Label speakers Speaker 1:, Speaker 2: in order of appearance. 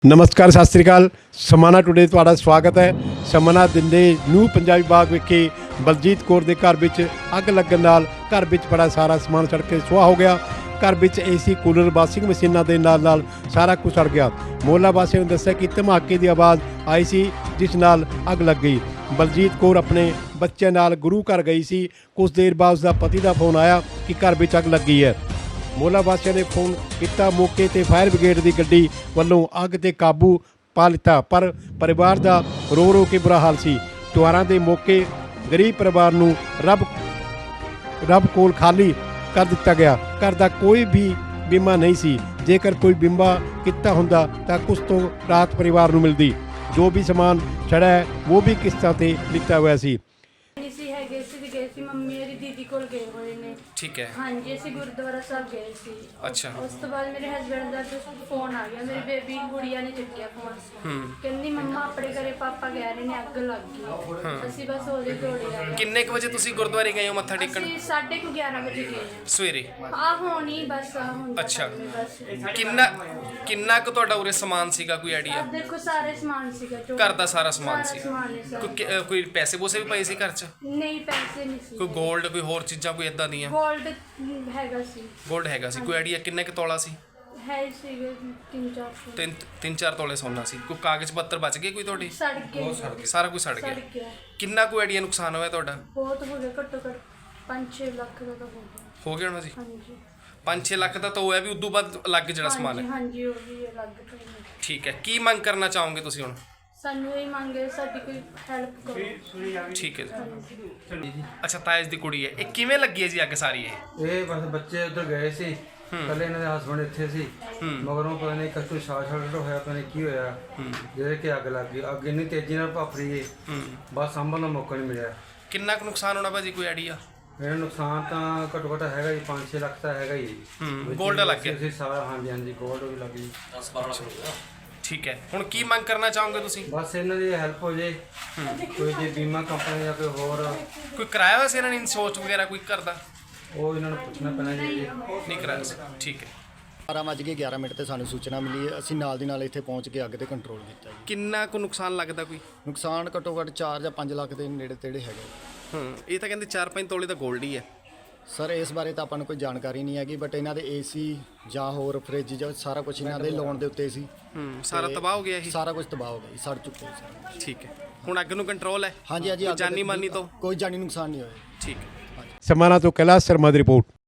Speaker 1: ਨਮਸਕਾਰ ਸਤਿ ਸ੍ਰੀ ਅਕਾਲ। ਸਮਾਣਾ ਟੁਡੇ ਤੁਹਾਡਾ ਸਵਾਗਤ ਹੈ। ਸਮਾਣਾ ਦਿੰਦੇ ਨਿਊ ਪੰਜਾਬੀ ਬਾਗ ਵਿਖੇ ਬਲਜੀਤ ਕੌਰ ਦੇ ਘਰ ਵਿੱਚ ਅੱਗ ਲੱਗਣ ਨਾਲ ਘਰ ਵਿੱਚ ਬੜਾ ਸਾਰਾ ਸਮਾਨ ਸੜ ਕੇ ਸੁਆਹ ਹੋ ਗਿਆ। ਘਰ ਵਿੱਚ ਏਸੀ ਕੂਲਰ ਵਾਸ਼ਿੰਗ ਮਸ਼ੀਨਾਂ ਦੇ ਨਾਲ ਸਾਰਾ ਕੁਝ ਸੜ ਗਿਆ। ਮੁਹੱਲਾ ਵਾਸੀਆਂ ਨੇ ਦੱਸਿਆ ਕਿ ਧਮਾਕੇ ਦੀ ਆਵਾਜ਼ ਆਈ ਸੀ ਜਿਸ ਨਾਲ ਅੱਗ ਲੱਗ ਗਈ। ਬਲਜੀਤ ਕੌਰ ਆਪਣੇ ਬੱਚਿਆਂ ਨਾਲ ਗੁਰੂ ਘਰ ਗਈ ਸੀ। ਕੁਝ ਦੇਰ ਬਾਅਦ ਉਸਦਾ ਪਤੀ ਦਾ ਫੋਨ ਆਇਆ ਕਿ ਘਰ ਵਿੱਚ ਅੱਗ ਲੱਗੀ ਹੈ। ਮੁਹੱਲਾ ਵਾਸੀਆਂ ਨੇ ਫੋਨ ਕੀਤਾ। ਮੌਕੇ ਤੇ ਫਾਇਰ ਬ੍ਰਿਗੇਡ ਦੀ ਗੱਡੀ ਵੱਲੋਂ ਅੱਗ ਤੇ ਕਾਬੂ ਪਾ ਲਿੱਤਾ, ਪਰ ਪਰਿਵਾਰ ਦਾ ਰੋ ਕੇ ਬੁਰਾ ਹਾਲ ਸੀ। ਤਿਉਹਾਰਾਂ ਦੇ ਮੌਕੇ ਗਰੀਬ ਪਰਿਵਾਰ ਨੂੰ ਰੱਬ ਕੋਲ ਖਾਲੀ ਕਰ ਦਿੱਤਾ ਗਿਆ। ਘਰ ਦਾ ਕੋਈ ਵੀ ਬੀਮਾ ਨਹੀਂ ਸੀ। ਜੇਕਰ ਕੋਈ ਬੀਮਾ ਕੀਤਾ ਹੁੰਦਾ ਤਾਂ ਕੁਝ ਤੋਂ ਰਾਹਤ ਪਰਿਵਾਰ ਨੂੰ ਮਿਲਦੀ। ਜੋ ਵੀ ਸਮਾਨ ਛੜਾ ਹੈ ਉਹ ਵੀ ਕਿਸ਼ਤਾਂ ਤੇ ਲਿੱਤਾ ਹੋਇਆ ਸੀ।
Speaker 2: ਗਏ ਸੀ ਮੰਮੀ ਮੇਰੀ ਦੀਦੀ ਕੋਲ ਗਏ ਹੋਏ ਨੇ।
Speaker 3: ਠੀਕ ਹੈ।
Speaker 2: ਹਾਂਜੀ ਅਸੀਂ ਗੁਰਦੁਆਰਾ ਸਾਹਿਬ ਗਏ ਸੀ।
Speaker 3: ਅੱਛਾ।
Speaker 2: ਉਸ ਤੋਂ ਬਾਅਦ ਮੇਰੇ ਹਸਬੰਡ ਦਾ ਫੋਨ ਆ ਗਿਆ। ਮੇਰੀ ਬੇਬੀ ਗੁੜੀਆ ਨੇ ਚੱਕਿਆ ਫੋਨ। ਕਹਿੰਦੀ ਮੰਮਾ ਆਪਣੇ ਘਰੇ ਪਾਪਾ ਕਹਿ ਰਹੇ ਨੇ ਅੱਗ ਲੱਗ ਗਈ। ਅਸੀਂ ਬਸ ਉਹਦੇ ਦੌੜੇ ਆਏ।
Speaker 3: ਕਿੰਨੇ ਕੁ ਵਜੇ ਤੁਸੀਂ ਗੁਰਦੁਆਰੇ ਗਏ ਹੋ ਮੱਥਾ ਟੇਕਣ?
Speaker 2: ਅਸੀਂ 11:30 ਵਜੇ ਗਏ
Speaker 3: ਸਵੇਰੇ।
Speaker 2: ਆ ਹੋਣੀ ਬਸ ਹੁਣ।
Speaker 3: ਅੱਛਾ।
Speaker 2: ਬਸ
Speaker 3: ਕਿੰਨਾ ਕੁ ਤੁਹਾਡਾ ਉਰੇ ਸਮਾਨ ਸੀਗਾ, ਕੋਈ ਆਈਡੀਆ?
Speaker 2: ਦੇਖੋ ਸਾਰੇ ਸਮਾਨ ਸੀਗਾ।
Speaker 3: ਘਰ ਦਾ ਸਾਰਾ ਸਮਾਨ ਸੀ। ਕੋਈ ਪੈਸੇ ਪੂਸੇ ਵੀ ਪਏ ਸੀ ਘਰ 'ਚ?
Speaker 2: ਨਹੀਂ ਪੈਸੇ ਨਹੀਂ ਸੀ।
Speaker 3: ਕੋਈ ਗੋਲਡ, ਕੋਈ ਹੋਰ ਚੀਜ਼ਾਂ ਕੋਈ ਇਦਾਂ ਦੀਆਂ?
Speaker 2: ਗੋਲਡ ਹੈਗਾ ਸੀ।
Speaker 3: ਗੋਲਡ ਹੈਗਾ ਸੀ। ਕੋਈ ਆਈਡੀਆ ਕਿੰਨੇ ਕੁ ਤੋਲਾ ਸੀ?
Speaker 2: ਹੈ ਸੀਗੇ 3-4
Speaker 3: 3-4 ਤੋਲੇ ਸੋਨਾ ਸੀ। ਕੋਈ ਕਾਗਜ਼ ਪੱਤਰ ਬਚ ਗਏ ਕੋਈ ਤੁਹਾਡੀ?
Speaker 2: ਸੜ ਗਏ।
Speaker 3: ਸਾਰਾ ਕੁਝ ਸੜ ਗਿਆ। ਕਿੰਨਾ ਕੋਈ ਆਈਡੀਆ ਨੁਕਸਾਨ ਹੋਇਆ ਤੁਹਾਡਾ?
Speaker 2: ਬਹੁਤ ਹੋ ਗਿਆ, ਘੱਟੋ ਘੱਟ 5-6 ਲੱਖ ਦਾ ਤਾਂ
Speaker 3: ਹੋ ਗਿਆ ਹੋਣਾ ਜੀ।
Speaker 2: ਹਾਂਜੀ
Speaker 3: 5-6 ਲੱਖ ਦਾ ਤਾਂ ਹੋਇਆ ਵੀ। ਉਦੋਂ ਬਾਅਦ ਅਲੱਗ ਜਿਹੜਾ ਸਮਾਨ ਹੈ।
Speaker 2: ਹਾਂਜੀ ਉਹ ਵੀ ਅਲੱਗ ਤੋਂ।
Speaker 3: ਠੀਕ ਹੈ। ਕੀ ਮੰਗ ਕਰਨਾ ਚਾਹੋਗੇ ਤੁਸੀਂ ਹੁਣ?
Speaker 2: ਸਾਨੂੰ ਇਹ ਮੰਗੇ ਸਾਡੀ ਕੋਈ ਹੈਲਪ ਕਰੋ।
Speaker 3: ਠੀਕ ਹੈ ਜੀ। ਅੱਛਾ, ਤਾਇਜ ਦੀ ਕੁੜੀ ਹੈ। ਇਹ ਕਿਵੇਂ ਲੱਗੀ ਹੈ ਜੀ ਅੱਗ ਸਾਰੀ?
Speaker 4: ਇਹ ਬਸ ਬੱਚੇ ਉੱਧਰ ਗਏ ਸੀ, ਕੱਲੇ ਇਹਨਾਂ ਦੇ ਹਸਬੰਡ ਇੱਥੇ ਸੀ। ਮਗਰੋਂ ਪਤਾ ਨਹੀਂ ਕੱਚੂ ਸ਼ਾਰਟ ਹੋਇਆ, ਪਤਾ ਨਹੀਂ ਕੀ ਹੋਇਆ, ਜਿਹਦੇ ਕਿ ਅੱਗ ਲੱਗ ਗਈ। ਅੱਗ ਇੰਨੀ ਤੇਜ਼ੀ ਨਾਲ ਭੱਫ ਰਹੀ ਹੈ, ਬਸ ਸੰਭਲਣ ਦਾ ਮੌਕਾ ਨਹੀਂ ਮਿਲਿਆ।
Speaker 3: ਕਿੰਨਾ ਕੁ ਨੁਕਸਾਨ ਹੋਣਾ ਭਾਜੀ, ਕੋਈ ਆਈਡੀਆ?
Speaker 4: ਮੇਰਾ ਨੁਕਸਾਨ ਤਾਂ ਘੱਟੋ ਘੱਟ ਹੈਗਾ ਜੀ 5-6 ਲੱਖ ਤਾਂ ਹੈਗਾ ਹੀ।
Speaker 3: ਗੋਲਡ ਲੱਗ ਗਿਆ?
Speaker 4: ਸਾਰਾ ਹਾਂਜੀ ਗੋਲਡ ਵੀ ਲੱਗ ਗਈ।
Speaker 3: ਠੀਕ ਹੈ। ਹੁਣ ਕੀ ਮੰਗ ਕਰਨਾ ਚਾਹੋਗੇ ਤੁਸੀਂ?
Speaker 4: ਬਸ ਇਹਨਾਂ ਦੀ ਹੈਲਪ ਹੋ ਜੇ, ਕੋਈ ਜੇ ਬੀਮਾ ਕੰਪਨੀ ਜਾਂ ਕੋਈ ਹੋਰ
Speaker 3: ਕੋਈ ਕਰਾਇਆ ਹੋਇਆ ਸੀ ਇਹਨਾਂ ਨੇ ਇੰਸ਼ੋਰੈਂਸ ਵਗੈਰਾ ਕੋਈ ਕਰਦਾ?
Speaker 4: ਉਹ ਇਹਨਾਂ ਨੂੰ ਪੁੱਛਣਾ ਪੈਣਾ ਜੀ।
Speaker 3: ਨਹੀਂ ਕਰਾਇਆ ਸੀ। ਠੀਕ ਹੈ।
Speaker 5: 12:11 ਤੇ ਸਾਨੂੰ ਸੂਚਨਾ ਮਿਲੀ ਹੈ। ਅਸੀਂ ਨਾਲ ਦੀ ਨਾਲ ਇੱਥੇ ਪਹੁੰਚ ਕੇ ਅੱਗ ਤੇ ਕੰਟਰੋਲ ਕੀਤਾ ਜੀ।
Speaker 3: ਕਿੰਨਾ ਕੁ ਨੁਕਸਾਨ ਲੱਗਦਾ ਕੋਈ?
Speaker 5: ਨੁਕਸਾਨ ਘੱਟੋ ਘੱਟ 4 ਜਾਂ 5 ਲੱਖ ਦੇ ਨੇੜੇ ਤੇੜੇ ਹੈਗਾ।
Speaker 3: ਇਹ ਤਾਂ ਕਹਿੰਦੇ 4-5 ਤੋਲੇ ਤਾਂ ਗੋਲਡ ਹੀ ਹੈ।
Speaker 5: ਸਰ ਇਸ ਬਾਰੇ ਤਾਂ ਆਪਾਂ ਨੂੰ ਕੋਈ ਜਾਣਕਾਰੀ ਨਹੀਂ ਹੈਗੀ, ਬਟ ਇਹਨਾਂ ਦੇ ਏਸੀ ਜਾਂ ਹੋਰ ਫ੍ਰਿਜ ਜਾਂ ਸਾਰਾ ਕੁਝ ਇਹਨਾਂ ਦੇ ਲੋਨ ਦੇ ਉੱਤੇ ਸੀ।
Speaker 3: ਸਾਰਾ ਤਬਾਹ ਹੋ ਗਿਆ ਇਹ?
Speaker 5: ਸਾਰਾ ਕੁਝ ਤਬਾਹ ਹੋ ਗਿਆ ਜੀ, ਸੜ ਚੁੱਕੇ ਸਰ।
Speaker 3: ਠੀਕ ਹੈ। ਹੁਣ ਅੱਗ ਨੂੰ ਕੰਟਰੋਲ ਹੈ?
Speaker 5: ਹਾਂਜੀ
Speaker 3: ਜਾਨੀ ਮਾਨੀ ਤੋਂ
Speaker 5: ਕੋਈ ਜਾਨੀ ਨੁਕਸਾਨ ਨਹੀਂ ਹੋਇਆ।
Speaker 3: ਠੀਕ ਹੈ।
Speaker 1: ਸਮਾਣਾ ਤੋਂ ਕੈਲਾਸ਼ ਸ਼ਰਮਾ ਦੀ ਰਿਪੋਰਟ।